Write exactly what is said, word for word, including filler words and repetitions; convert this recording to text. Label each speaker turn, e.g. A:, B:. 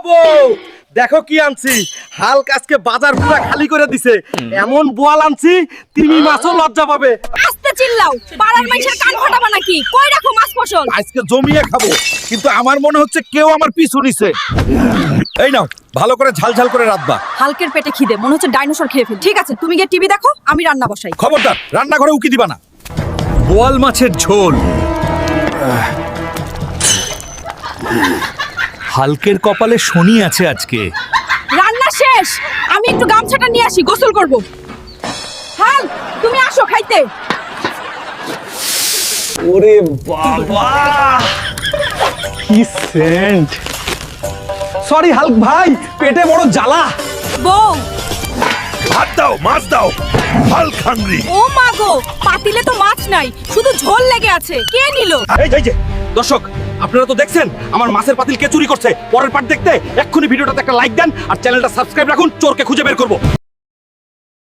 A: বউ দেখো কি আনছি। হালক আজকে বাজার পুরো খালি করে দিছে। এমন বোয়াল আনছি তিমি মাছও লজ্জা পাবে।
B: আস্তে চিল্লাও, পাড়ার মানুষের কান ফাটাবা নাকি? কই রাখো মাছ ফসল?
A: আজকে জমিয়ে খাবো, কিন্তু আমার মনে হচ্ছে কেউ আমার পিছু নিছে। এই নাও, ভালো করে ঝাল ঝাল করে রাখবা।
B: হালকের পেটে খিদে, মনে হচ্ছে ডাইনোসর খেয়ে ফেল। ঠিক আছে, তুমি গিয়ে টিভি দেখো, আমি রান্না বসাই।
A: খবরদার রান্নাঘরে উকি দিবা না। বোয়াল মাছের ঝোল।
C: হালকের কপালে শনি আছে আজকে।
B: রান্না শেষ, আমি একটু গামছাটা নিয়ে আসি, গোসল করব। হাল, তুমি আসো খাইতে।
C: ওরে বাবা, কি সেন্ট! সরি হালক ভাই, পেটে বড় জ্বালা।
B: বউ,
A: ভাত দাও, মাছ দাও, হালক হাংরি।
B: ও মা গো, পাতিলে তো মাছ নাই, শুধু ঝোল লেগে আছে। কে নিল?
A: এই যে, এই যে দর্শক, আপনারা তো দেখছেন আমার মাছের পাতিল কে চুরি করছে। পরের পার্ট দেখতে এক্ষুনি ভিডিওটাতে একটা লাইক দেন আর চ্যানেলটা সাবস্ক্রাইব রাখুন। চোরকে খুঁজে বের করব।